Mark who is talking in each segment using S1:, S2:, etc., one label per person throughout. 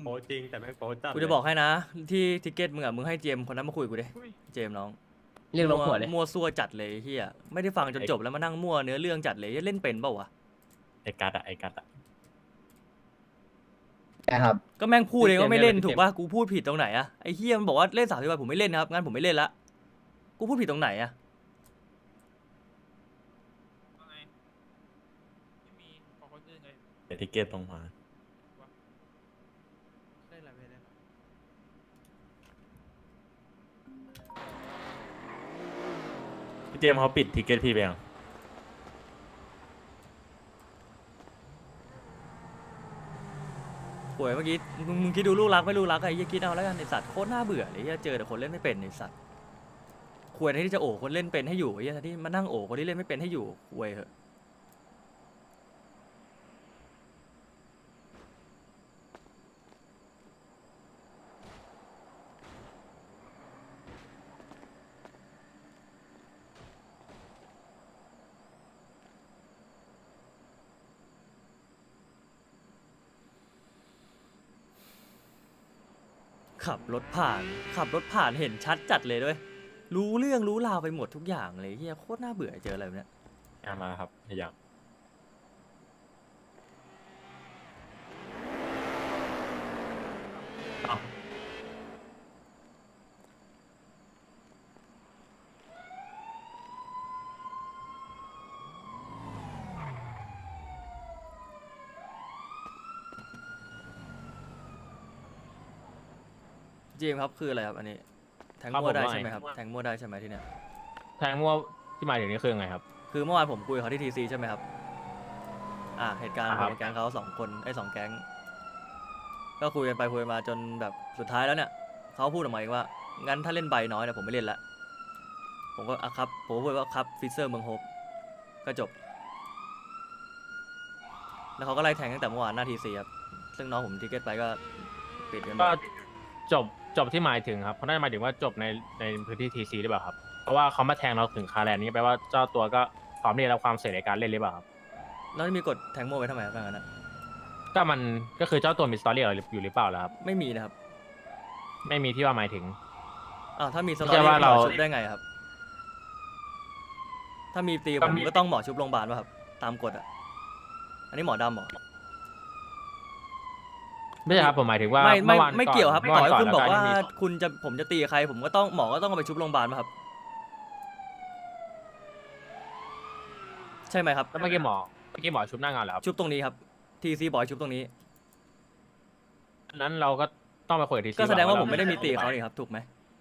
S1: โป๊จริงแต่แม่งโป๊จัด
S2: กูจะบอกให้นะที่ทิกเก็ตมึงอะมึงให้เจมส์คนนั้นมาคุยกับกูดิเจมส์น้อง
S3: เรียกลงหัวเลย
S2: มั่วซั่วจัดเลยเฮียไม่ได้ฟังจนจบแล้วมานั่งมั่วเนื้อเรื่องจัดเลยเล่นเป็นเปล่าวะ
S1: ไอ้กัดอะไอ้กัดอะ
S4: นะครับ
S2: ก็แม่งพูดเองว่าไม่เล่นถูกป่ะกูพูดผิดตรงไหนอะไอ้เฮียมันบอกว่าเล่น30 วันผมไม่เล่นนะครับงั้นผมไม่เล่นละกูพูดผิดตรงไหนอะ
S5: ไม่มีของคนอื่นเลย
S1: เดี๋ยวทิเก็ตตรงมา
S5: ได้หลายเวรเลย
S1: พี่เจมส์เขาปิดทิเก็ตพี่ไปยัง
S2: ป่วยเมื่อกี้มึงคิดดูลูกรักไม่ลูกรักไอ้เฮียคิดเอาแล้วกันไอ้สัตว์โคตรน่าเบื่อเลยเฮียเจอแต่คนเล่นไม่เป็นไอ้สัตว์ควรที่จะโอบคนเล่นเป็นให้อยู่ไอ้เฮียที่มานั่งโอบคนที่เล่นไม่เป็นให้อยู่ควยเหอะขับรถผ่านเห็นชัดจัดเลยด้วยรู้เรื่องรู้ราวไปหมดทุกอย่างเลยเฮียโคตรน่าเบื่อเจออะไรแบบเนี้ย
S1: มาครับอย่างอ้าว
S2: เจมส์ครับคืออะไรครับอันนี้แทงมั่วได้ใช่ไหมครับแทงมั่วได้ใช่ไหมที่เนี้ย
S3: แทงมั่วที่หมายถึงนี่คือยังไงครับ
S2: คือเมื่อวานผมคุยกับเขาที่ทีซีใช่ไหมครับเหตุการณ์
S3: อ่า
S2: ผ
S3: ครั
S2: ม
S3: บ
S2: กับแก๊งเขา2 คนไอ้2 แก๊งก็คุยกันไปคุยกันมาจนแบบสุดท้ายแล้วเนี่ยเขาพูดออกมาเองว่างั้นถ้าเล่นใบน้อยเนี่ยผมไม่เล่นละผมก็ครับผมก็พูดว่าครับฟิเซอร์เมืองโฮปก็จบแล้วเขาก็ไล่แทงตั้งแต่เมื่อวานหน้าทีซีครับซึ่งน้องผมทิเก็ตไปก็ปิดกันหม
S3: ก็
S2: ด
S3: จบที่หมายถึงครับเขาน่าจะหมายถึงว่าจบในพื้นที่ทีซีหรือเปล่าครับ เพราะว่าเขามาแทงเราถึงคาแลนด์นี่แปลว่าเจ้าตัวก็พร้อมที่จะรับความเสี่ยงในการเล่นหรือเปล่าครับ
S2: แล้วมีกดแทงโม่ไว้ทำไมครับงั้นนะ
S3: ก็มันก็คือเจ้าตัวมีสตอรี่อะไรอยู่หรือเปล่าล่ะครับ
S2: ไม่มีนะครับ
S3: ไม่มีที่ว่าหมายถึง
S2: ถ้ามีสต
S3: ไม่
S2: อ
S3: ใช่
S2: รี่
S3: ว่า
S2: หม
S3: เรา
S2: อชุบได้ไงครับถ้ามีตีผมก็ต้องหมอชุบโรงพยาบาลป่ะครับตามกฎอ่ะอันนี้หมอดำเหรอ
S3: ไม่ใช่ครับผมหมายถึงว่า
S2: ไม่
S3: เมื่อวาน
S2: ไม่เกี่ยวครับ
S3: มื่
S2: ต่อให้
S3: น
S2: คุณบอกว่า
S3: แล้ว
S2: คุณจะผมจะตีใครผมก็ต้องหมอก็ต้องเอาไปชุบโรงพยาบาลป่ะครับใช่ไหมครับ
S3: แล้วเมื่อกี้หมอชุบหน้างานเหรอครับ
S2: ชุบตรงนี้ครับทีซีบอกให้ชุบตรงนี้
S3: อันนั้นเราก็ต้องไปคุยกับทีซี
S2: ก็แสดงว่าผมไม่ได้มีตีกับเขานี่ครับถูกไหม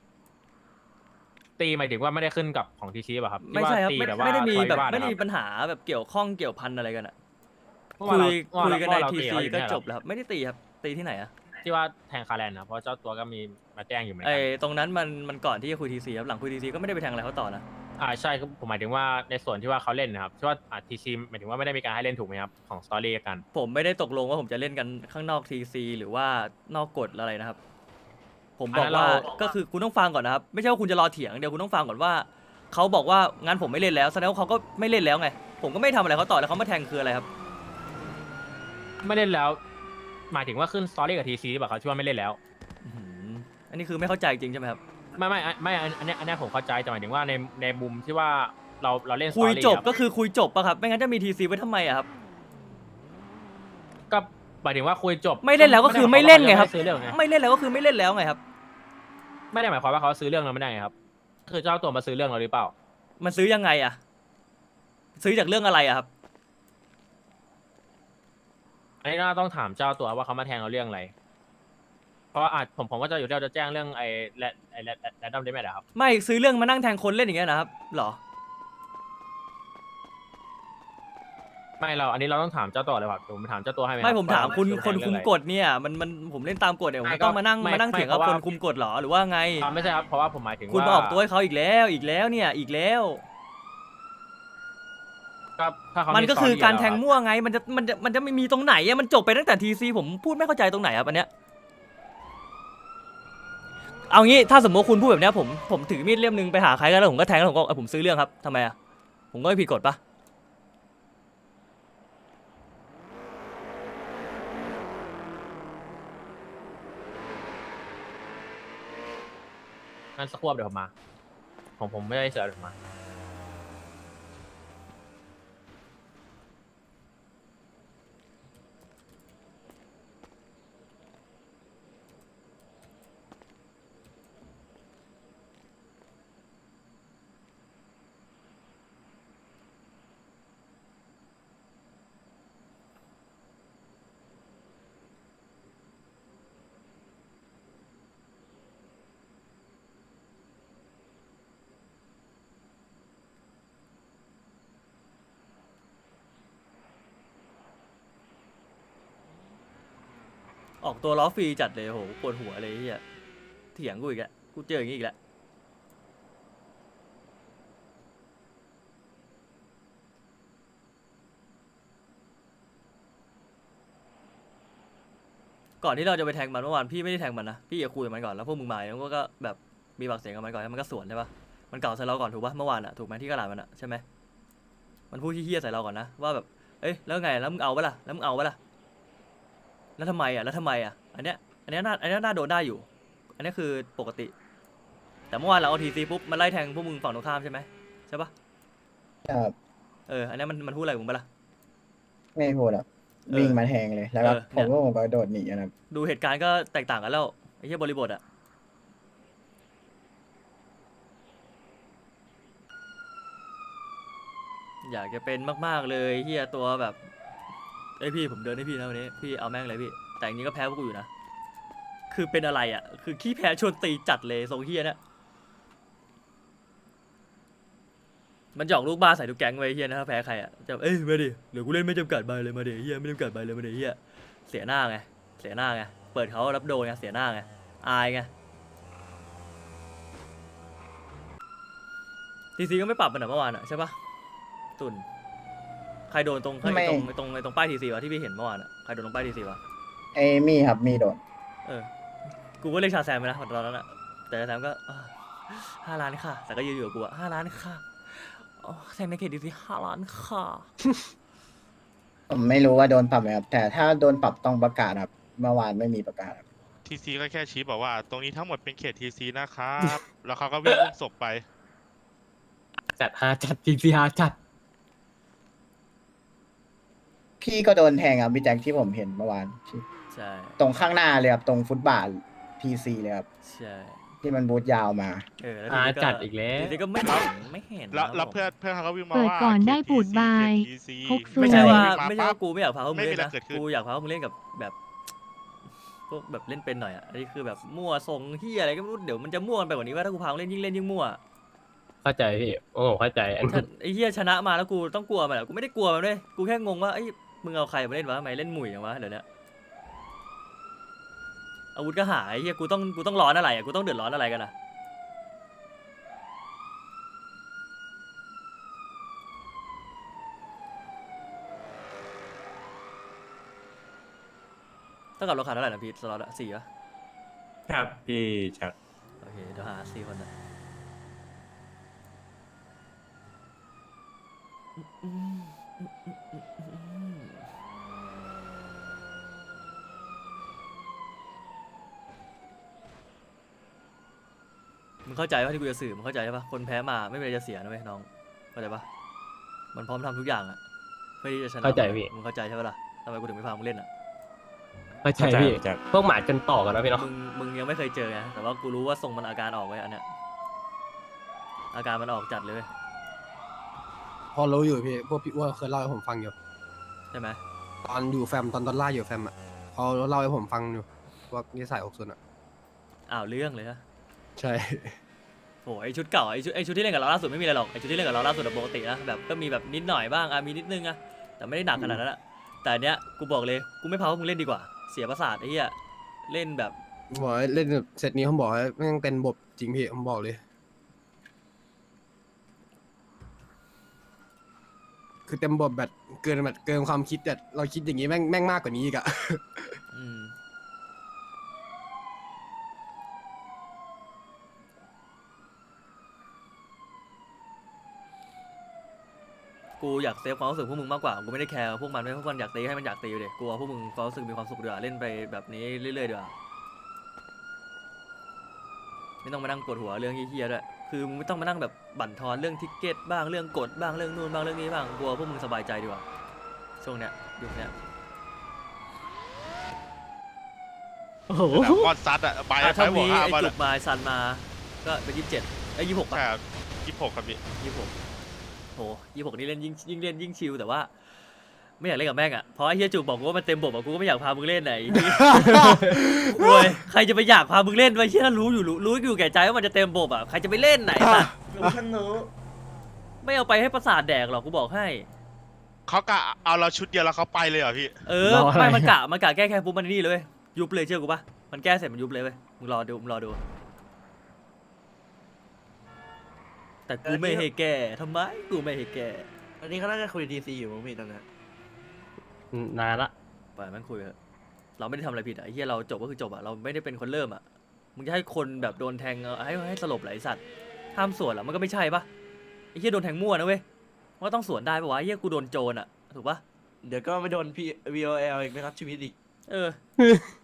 S3: ตีหมายถึงว่าไม่ได้ขึ้นกับของทีซีป่ะครับ
S2: ไม่ใช่ครับ
S3: ที่
S2: ไม่
S3: ว่าตี
S2: ไม่ได้มี
S3: ทะ
S2: แบบ
S3: เลาะวิวาท
S2: ไม่ได้มี
S3: นะครับ
S2: ปัญหาแบบเกี่ยวข้องเกี่ยวพันอะไรกันอ่ะ
S3: เมื่อ
S2: คุ
S3: วาน
S2: ย
S3: เรา
S2: คุยกันใน
S3: เรา
S2: ที
S3: ตี
S2: ซี
S3: เขาอยู่
S2: ก็
S3: เนี่ย
S2: จบแล้วครับไม่ได้ตีครับตีที่ไหนอ่ะ
S3: ที่ว่าแทงคาแลนด์นะเพราะเจ้าตัวก็มีมาแจ้งอยู่เหมือน
S2: ไอ้
S3: กัน
S2: ตรงนั้นมันก่อนที่จะคุยทีซีครับหลังคุยทีซีก็ไม่ได้ไปแทงอะไรเขาต่อนะ
S3: ใช่ครับผมหมายถึงว่าในส่วนที่ว่าเขาเล่นนะครับที่ว่าทีซีหมายถึงว่าไม่ได้มีการให้เล่นถูกไหมครับของสตอรี่กัน
S2: ผมไม่ได้ตกลงว่าผมจะเล่นกันข้างนอกทีซีหรือว่านอกกฎอะไรนะครับ ผมบอกว่าก็คือคุณต้องฟังก่อนนะครับไม่ใช่ว่าคุณจะรอเถียงเดี๋ยวคุณต้องฟังก่อนว่าเขาบอกว่างั้นผมไม่เล่นแล้วแสดงว่าเขาก็ไม่เล่นแล้วไงผมก็ไม่ทำอะไรเขาต่อแล้วเขามาแทงคืออะไรครับ
S3: ไม่เล่นแล้ว หมายถึงว่าขึ้นสตอรี่กับทีซีหรือเปล่าครับที่ว่าไม่เล่นแล้ว
S2: อื้อหืออันนี้คือไม่เข้าใจจริงใช่ไหมครับ
S3: ไม่อันเนี้ยผมเข้าใจแต่หมายถึงว่าในมุมที่ว่าเราเล่นสต
S2: คุ
S3: อย รี่
S2: จบ
S3: ครับ
S2: ก็คือคุยจบปะครับไม่งั้นจะมีทีซีไว้ทำไมอะครับ
S3: ก็หมายถึงว่าคุยจบ
S2: ไม่เล่นแล้วก็คือไม่เล่นไงครับ
S3: ม่ด้หมายความว่าเขาจะม่ซื้อเรื่องไง
S2: ไม่เล่นแล้วก็คือไม่เล่นแล้วไงครับ
S3: ไม่ได้หมายความว่าเขาซื้อเรื่องเราไม่ได้ไงครับคือเจ้าตัวมาซื้อเรื่องเราหรือเปล่า
S2: มันซื้อยังไงอะซื้อจากเรื่องอะไรอะครับ
S3: อันนี้น่าต้องถามเจ้าตัวว่าเขามาแทงเราเรื่องอะไร เพราะว่าผมก็จะอยู่ที่เราจะแจ้งเรื่องไอ้แรดดอมเดมครับ
S2: ไม่ซื้อเรื่องมานั่งแทงคนเล่นอย่างเงี้ยนะครับหรอ
S3: ไม่อันนี้เราต้องถามเจ้าตัวเลยครับผมถามเจ้าตัวให้ไหม
S2: ไม่ผมถามคุณ
S3: ว่า
S2: คนคุม
S3: เรื่องอะไร
S2: กฎเนี่ยมันผมเล่นตามกฎเนี่ยผม
S3: ไม่
S2: ต้องมานั่ง
S3: ไม่
S2: มานั่ง
S3: ไม่
S2: เถียงกับ
S3: เพราะ
S2: ค
S3: ว่า
S2: นคุมกฎเหรอหรือว่าไง
S3: ไม่ใช่ครับเพราะว่าผมหมายถึง
S2: คุณ
S3: ว่า
S2: มาออกตัวให้เขาอีกแล้วเนี่ยอีกแล้ว
S3: ก็ถ้าเขา
S2: มัน
S3: มี
S2: ก็คือ
S3: story
S2: การแทง
S3: ยู่ล้ว
S2: มั่วไงมันจะไม่มีตรงไหนอะมันจบไปตั้งแต่ทีซีผมพูดไม่เข้าใจตรงไหนครับอันเนี้ยเอางี้ถ้าสมมติคุณพูดแบบเนี้ยผมถือมีดเล่มนึงไปหาใครก็แล้วผมก็แทงแล้วผมก็ผมซื้อเรื่องครับทำไมอะผมก็ไม่ผิดกฎปะ
S3: งั้นสักครู่เดี๋ยวผมมาผมไม่ได้เสือเดี๋ยวผมมา
S2: ออกตัวล้อฟรีจัดเลยโหปวดหัวเลยไอ้เฮียเถียงกูอีกแล้วกูเจออย่างนี้อีกแล้วก่อนที่เราจะไปแทงมันเมื่อวานพี่ไม่ได้แทงมันนะพี่จะคุยกับมันก่อนแล้วพวกมึงมาแล้วก็แบบมีปากเสียงกับมันก่อนแล้วมันก็สวนใช่ปะมันเก่าใส่เราก่อนถูกปะเมื่อวานอะถูกไหมที่กระดาษมันอะใช่ไหมมันพูดเฮี้ยๆใส่เราก่อนนะว่าแบบเอ้ยแล้วไงแล้วมึงเอาปะล่ะแล้วมึงเอาปะล่ะแล้วทำไมอะแล้วทำไมอะอันเนี้ยน่าโดนได้อยู่ อันนี้คือปกติ แต่เมื่อวานเราเอาทีซีปุ๊บมันไล่แทงพวกมึงฝั่งตรงข้ามใช่ไหมใช่ปะ
S4: ครับ
S2: อันนี้มันพูดอะไรกับมึงปะล่ะ
S4: ไม่พูดอ่ะ
S2: เออ
S4: วิ่งมาแทงเลยแล้วก็
S2: เนี่ย
S4: ผมก็โดดหนีนะครับ
S2: ดูเหตุการณ์ก็แตกต่างกันแล้วไอ้เหี้ยบริบทอะอยากจะเป็นมากๆเลยเฮียตัวแบบไอยพี่ผมเดินให้พี่นะวันนี้พี่เอาแม่งเลยพี่แต่อย่างนี้ก็แพ้พวกกูอยู่นะคือเป็นอะไรอะคือขี้แพ้ชวนตีจัดเลยทรงเฮียเนี่ยมันหยอกลูกบ้าใส่ทุกแก๊งไว้เฮียนะถ้าแพ้ใครอะจะเอ้ยมาดิเดี๋ยวกูเล่นไม่จำกัดใบเลยมาดิเฮียไม่จำกัดใบเลยมาดิเฮียเสียหน้าไงเสียหน้าไงเปิดเขารับโดนไงเสียหน้าไงอายไงทีซีก็ไม่ปรับมันเหรอเมื่อวานอะใช่ปะตุนใครโดนตรงไอ้ตรงป้ายทีซีวะที่พี่เห็นเมื่อวานอะใครโดนตรงป้ายทีซีวะ
S4: ไอ้มี่ครับมี่โดด
S2: กูก็เรียกชาแซมไปนะตอนนั้นอะแต่ชาแซมก็5 ล้านค่ะแต่ก็ยืนอยู่กับกูอะ5 ล้านค่ะอ๋อแซมในเขตดีซี5 ล้านค่ะ
S4: ผมไม่รู้ว่าโดนปรับไหมครับ แต่ถ้าโดนปรับต้องประกาศครับ เมื่อวานไม่มีประกาศครับ
S6: ทีซีก็แค่ชี้บอกว่า ตรงนี้ทั้งหมดเป็นเขตทีซีนะครับ แล้วเขาก็วิ่งอุ้มศพไป
S7: จัดฮาจัดจริงสิฮาจัด
S4: พี่ก็โดนแทงครับพี่แจ็คที่ผมเห็นเมื่อวานที่
S2: ใช่
S4: ตรงข้างหน้าเลยครับตรงฟุตบาทพีซีเลยครับ
S2: ใช่
S4: ที่มันบูทยาวมา
S2: แล้ว
S7: อ่าจัดอีกแล้ว
S2: ทีซีก็ไม่เห็น
S6: แล้วเพื่อนเขาก็วิ่งมา
S8: เปิด
S6: ว่า
S8: ก่อนได้
S6: เขต
S8: ปูด
S6: TC
S8: บาย
S6: เขต TC
S8: พกสู
S2: ไม่ใช่ว่า
S6: วิ่ง
S2: ไม่ใช่
S6: ปั๊บ
S2: ว่ากูไม่อยากพาพวกมึงเล่น
S6: ไม่มี
S2: นะ
S6: อะไรเกิดขึ้น
S2: กูอยากพาพวกมึงเล่นกับแบบพวกแบบเล่นเป็นหน่อยอะอันนี้คือแบบมั่วทรงเฮียอะไรก็ไม่รู้เดี๋ยวมันจะมั่วกันไปกว่านี้ว่าถ้ากูพามึงเล่นยิ่งมั่ว
S7: เข้าใจพี่โอ้เข้าใจอัน
S2: ถ้าไอ้เฮียชนะมาแล้วกูต้องกลัวมันเหรอกูไม่ได้กลัวมันด้วยกูแค่งงว่าไอ้ยมึงเอาใครมาเล่นวะทำไมเล่นหมุ่ยอย่างวะเดี๋ยวนี้อาวุธก็หายไอ้เฮียกูต้องร้อนอะไรอะกูต้องเดือดร้อนอะไรกันอะต้องกับเราขาดเท่าไหร่นะพีทสล็อตอะ4 ปะ
S1: ครับพี่ชัก
S2: โอเคเดี๋ยวหา4 คนนะมึงเข้าใจว่าที่กูจะสื่อมึงเข้าใจใช่ปะคนแพ้มาไม่มีอะไรจะเสียนะเว้ยน้องเข้าใจปะมันพร้อมทำทุกอย่างอะเพื่อที่จะชนะ
S7: เข้าใจพี่
S2: มึงเข้าใจใช่ปะล่ะทำไมกูถึงไม่พามึงเล่นอะ
S7: เข้าใจพี่
S1: พี่ชัก
S7: พวกหมาจนต่อกันแล้วพี่เนาะ
S2: มึงยังไม่เคยเจอไงแต่ว่ากูรู้ว่าทรงมันอาการออกไว้ยอันเนี้ยอาการมันออกจัดเลยเว้ย
S9: พอรู้อยู่พี่พวกพี่อ้วนเคยเล่าให้ผมฟังอยู่
S2: ใช่ไหม
S9: ตอนอยู่แฟมตอนดอลล่าอยู่แฟมอ่ะเขาเล่าให้ผมฟังอยู่ว่านิสัย60อ่ะ
S2: อ้าวเรื่องเลยฮะ
S9: ใช่
S2: โหไอชุดเก่าไอชุดที่เล่นกับเราล่าสุดไม่มีอะไรหรอกไอชุดที่เล่นกับเราล่าสุดอะปกตินะแบบก็มีแบบนิดหน่อยบ้างมีนิดนึงอะแต่ไม่ได้หนักขนาดนั้นอะแต่อันเนี้ยกูบอกเลยกูไม่พาพวกมึงเล่นดีกว่าเสียประสาทไอ้เหี้ยเล่นแบบ
S9: บอกให้เล่นเซตนี้ผมบอกให้แม่งเต็มบบจริงพี่ผมบอกเลย คือเต็มบบแบบเกินความคิดแต่เราคิดอย่างนี้แม่งมากกว่านี้อีกอะ
S2: อืมกูอยากเซฟความรู้สึกพวกมึงมากกว่ากูไม่ได้แคร์พวกมันไม่พวกมันอยากตีให้มันอยากตีอยู่เด็กกูเอาพวกมึงความรู้สึกมีความสุขดีกว่าเล่นไปแบบนี้เรื่อยๆดีกว่าไม่ต้องมานั่งปวดหัวเรื่องเฮี้ยๆด้วยคือมึงไม่ต้องมานั่งแบบบั่นทอนเรื่องทิกเก็ตบ้างเรื่องกฎบ้างเรื่องนู่นบ้างเรื่องนี้บ้างกลัวพวกมึงสบายใจดีกว่าช่วงเนี้ยยุคเนี้ย
S7: โอ้โห
S6: แต่ก้อนซัดอะไป
S2: อ่ะ
S6: ไป
S2: ถ้า
S6: บว
S2: มี
S6: กห้า
S2: ไอ้
S6: บอล
S2: จุกมาไอ้ซันมาก็เป็น27ไอ้26ป่ะ
S6: ใช่ครับ26ครับพี่
S2: 26โห26นี่เล่นยิ่งเล่นยิ่งชิลแต่ว่า ไม่อยากเล่นกับแม่งอ่ะเพราะไอ้เฮียจุกบอกกูว่ามันเต็มบบอ่ะกูก็ไม่อยากพามึงเล่นไหนรวยใครจะไปอยากพามึงเล่นวะเฮียรู้อยู่แก่ใจว่ามันจะเต็มบบอ่ะใครจะไปเล่นไหนสัตว์
S8: รู้ฉันรู้
S2: ไม่เอาไปให้ประสาทแดกหรอกกูบอกให้
S6: เขากะเอาเราชุดเดียวแล้วเขาไปเลยเหรอพี่
S2: เออไม่มันกะแก้แค่ปุ๊บมันนี่เลยเว้ยยุบเลยเชื่อกูปะมันแก้เสร็จมันยุบเลยเว้ยมึงรอดูแต่กูไม่ให้แก้ทำไมกูไม่ให้แก้
S8: อันนี้เขาน่าจะคุยทีซีอยู่มั้งพี่ตอนนี้
S7: นานละ
S2: ปล่อยมันคุยเถอะเราไม่ได้ทำอะไรผิดอ่ะไอ้เหี้ยเราจบก็คือจบอ่ะเราไม่ได้เป็นคนเริ่มอ่ะมึงจะให้คนแบบโดนแทงให้สลบไหลสัตว์ห้ามสวนเหรอมันก็ไม่ใช่ปะไอ้เหี้ยโดนแทงมั่วนะเว้ยว่าต้องสวนได้ปะวะไอ้เหี้ยกูโดนโจรอ่ะถูกปะ
S8: เดี๋ยวก็ไปโดนพี่ VOL อีกนะครับชีวิตอีก
S2: เออ